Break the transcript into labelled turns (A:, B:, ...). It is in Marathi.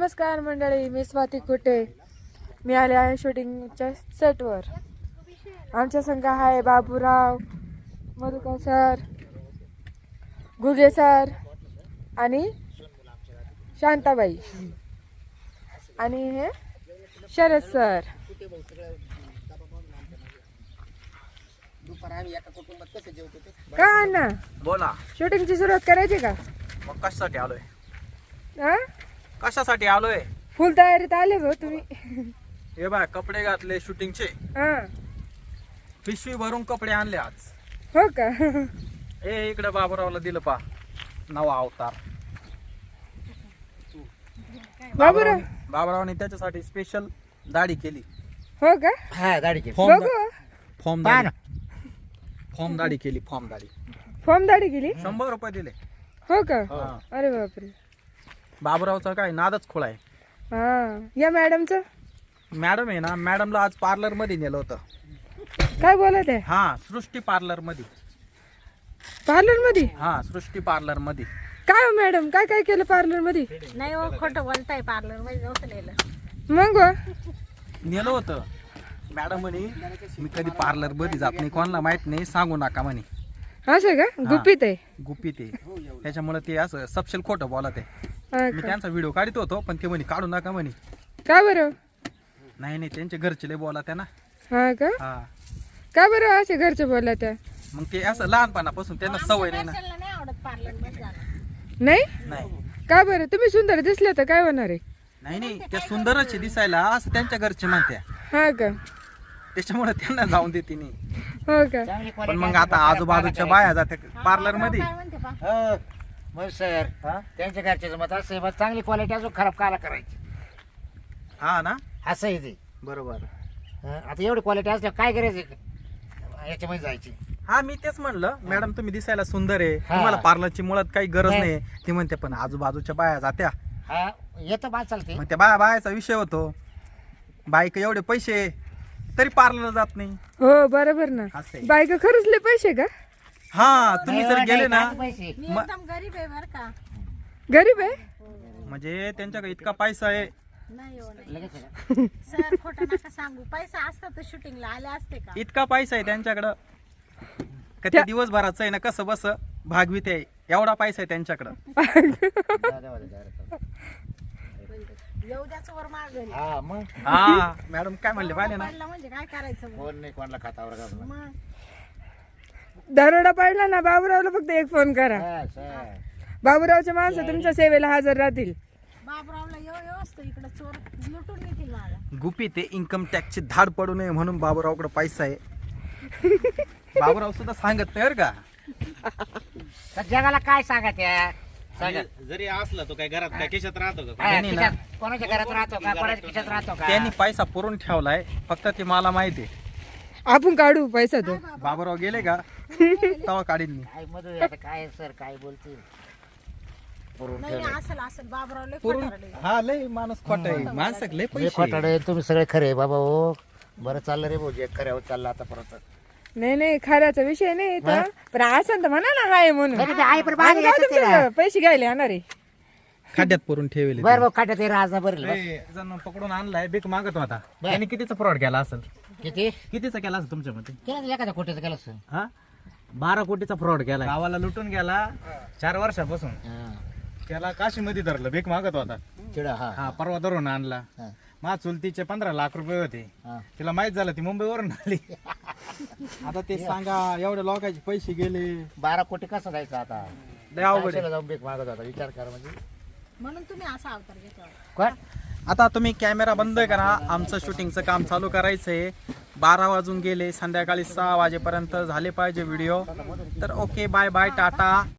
A: नमस्कार मंडळी, मी स्वाती कुटे. मी आले आहे शूटिंगच्या सेटवर. आमच्या संघ आहे बाबूराव, मधुकर सर, घुगे सर आणि शांताबाई आणि हे शरद सर. का अण्णा,
B: बोला.
A: शूटिंगची सुरुवात करायची का?
B: मग कशासाठी आलोय?
A: हा,
B: कशासाठी आलोय?
A: फुल तयारीत आले भाऊ तुम्ही.
B: हे बाय, कपडे घातले शूटिंगचे,
A: हा,
B: पिशवी भरून कपडे आणले आज.
A: हो का?
B: ए इकडे बाबूरावला दिलं पा नवा अवतार.
A: बाबूराव,
B: बाबूरावने त्याच्यासाठी स्पेशल दाढी केली.
A: हो का?
C: हा दाढी केली.
A: बघू.
B: फॉर्म
C: पहा ना.
B: फॉर्म दाढी केली. फॉर्म दाढी
A: फॉर्म दाढी केली?
B: 100 रुपये दिले.
A: हो का?
B: हा.
A: अरे बापरे.
B: बाबूरावचा काय नादच खोळा आहे.
A: हा, या मॅडमचं
B: मॅडम आहे ना, मॅडमला आज पार्लर मध्ये नेलं होतं.
A: काय बोलत आहे?
B: हा, सृष्टी पार्लर मध्ये.
A: पार्लर मध्ये?
B: हा, सृष्टी पार्लर मध्ये.
A: काय हो मॅडम, काय काय केलं पार्लर मध्ये?
D: नाही हो, खोटं बोलताय. पार्लर मध्ये नव्हतं नेलं.
A: मग हो?
B: नेलं होतं. मॅडम म्हणे मी कधी पार्लर मध्ये जात नाही, कोणाला माहित नाही, सांगू नका म्हणे.
A: असं का? गुपित आहे?
B: गुपित आहे, त्याच्यामुळे ते असं सपशेल खोटं बोलत आहे.
A: हा
B: मी
A: का?
B: त्यांचा व्हिडिओ काढत होतो, पण ते म्हणे काढू नका म्हणे.
A: का बरं?
B: नाही नाही, त्यांचे घरचे लय बोला त्या ना.
A: हा का?
B: हा,
A: का बरं असे घरचे बोलला त्या?
B: मग ते असं लहानपणापासून त्यांना सवय नाही ना.
D: घरच्यांना नाही आवडत पार्लर मध्ये जाणं.
A: नाही?
B: नाही
A: का बरं? तुम्ही सुंदर दिसले तर काय होणार आहे?
B: नाही नाही, त्या सुंदरच आहे दिसायला असं त्यांच्या घरचे म्हणत्या,
A: हा का?
B: त्याच्यामुळे त्यांना जाऊन देते नाही.
A: हो का?
C: चांगली
B: पण
C: quality
B: मग
C: असली
B: आता
C: तर
B: आजूबाजूच्या
C: पार्लर
B: बाया जाते पार्लर मध्ये.
D: काय म्हणते पा?
C: हो मग सर त्यांच्या घरच्याचं मत असं आहे, मग चांगली क्वालिटी अजून खराब काला करायची
B: हा ना,
C: असं आहे ते.
B: बरोबर.
C: आता एवढी क्वालिटी असल्यावर काय करायचं याच्यामध्ये जायची.
B: हा, मी तेच म्हणलं मॅडम तुम्ही दिसायला सुंदर आहे,
C: हा.
B: तुम्हाला पार्लरची मुळात काही गरज
C: नाही.
B: नाही. ती म्हणते पण आजूबाजूच्या बाया जात्या,
C: हा येतं बा चालते.
B: मग त्या बायाचा विषय होतो. बाईक एवढे पैसे तरी पार्लरला जात नाही.
A: हो बरोबर ना.
B: असं आहे.
A: बायका खरंच लय पैसे का?
B: हा, तुम्ही जर गेले ना,
C: पैसे
D: मी
B: म-
D: एकदम गरीब आहे बर का.
A: गरीब आहे?
B: म्हणजे त्यांच्याकडे इतका पैसा आहे.
D: नाही हो, नाही.
C: लगेच आहे.
D: सर खोटं नका सांगू. पैसा असता तर शूटिंगला आले असते का?
B: इतका पैसा आहे त्यांच्याकडं का ते दिवसभराचं आहे ना कसं बस भागवीत आहे, एवढा पैसा आहे त्यांच्याकडं.
C: जा, जा, जा, जा.
D: येऊ द्याचं वर मागेल.
C: हा मग
B: हा, मॅडम काय म्हणले पाहिले ना.
D: पडला म्हणजे काय करायचं मग?
C: कोण नाही कोणाला खातावर घालून.
D: मग
A: दरोडा पडला ना, बाबूरावला फक्त एक फोन करा.
C: हा, सर.
A: बाबूरावचे माणसं तुमच्या सेवेला हजर राहतील.
D: बाबरावला येऊ असतं इकडे चोर लुटून घेतील मला.
B: गुपित आहे, इन्कम टॅक्सची धाड पडू नये म्हणून बाबूरावकडे पैसा आहे. बाबूराव सुद्धा सांगत नाही बरं का.
C: तर जगाला काय सांगत या सांगा.
E: जरी असला तो काय घरात काय केशात राहतो का?
C: हा,
B: त्यांनी ना-
C: खिशात- कोणाच्या घरात राहतो का कोणाच्या खिशात राहतो का.
B: त्यांनी पैसा पुरून ठेवलाय, फक्त ते मला माहिती आहे.
A: आपण काढू पैसा तो.
B: बाबूराव गेले का तेव्हा काढीन मी.
C: काय मधू आता काय सर काय बोलतील पुरून
D: नाही नाही, असेल असेल. बाबराव लय
B: पुरून
D: खोटारडे.
B: हा, लय माणूस खोट आहे, माणसं लय पैसे आहे.
C: खोटाडे तुम्ही सगळे खरे बाबा हो. बरं चाललं रे भाऊ, जे खऱ्यावर चाललं आता परत.
A: नाही नाही, खऱ्याचा विषय नाही इथं. पण असं तर म्हणा ना हाय म्हणून.
C: तरी ते आहे पण
A: आम्ही
C: मागे
A: काय
C: येतं ते ना.
A: तुमच्याकडे पैसे घ्यायला येणार आहे?
B: खड्ड्यात पुरून ठेवले.
C: बरं भाऊ खाट्यात हे राज बरं बस.
B: जण पकडून आणलाय, बेक मागत होता.
C: बर.
B: त्यांनी कितीचा फ्रॉड केला असेल?
C: किती
B: कितीचा केला असेल तुमच्यामध्ये?
C: केलं एखाद्या कोटीचं केलं सर.
B: हा, 12 कोटीचा फ्रॉड केला.
E: गावाला लुटून गेला 4 वर्षापासून. त्याला काशीमध्ये धरलं, भीक मागत होता.
C: चिडा हा
E: हा, परवा धरून आणला.
C: हा.
E: मा चुलतीचे 15 लाख रुपये होते.
C: हा.
E: तिला माहित झालं ती मुंबईवरून आली.
B: आता ते सांगा, एवढ्या लोकांचे पैसे गेले,
C: 12 कोटी कसं जायचं आता.
B: लय अवघड आहे.
C: काशीला जाऊन बेक मागत होता विचार करा म्हणजे.
D: म्हणून तुम्ही असा अवतार घेतला.
C: कोण
B: आता तुम्ही कॅमेरा बंद करा, आमचं शूटिंगचं काम चालू करायचंय. 12 वाजून गेले, संध्याकाळी 6 वाजेपर्यंत झाले पाहिजे व्हिडिओ. तर ओके, बाय बाय, टाटा.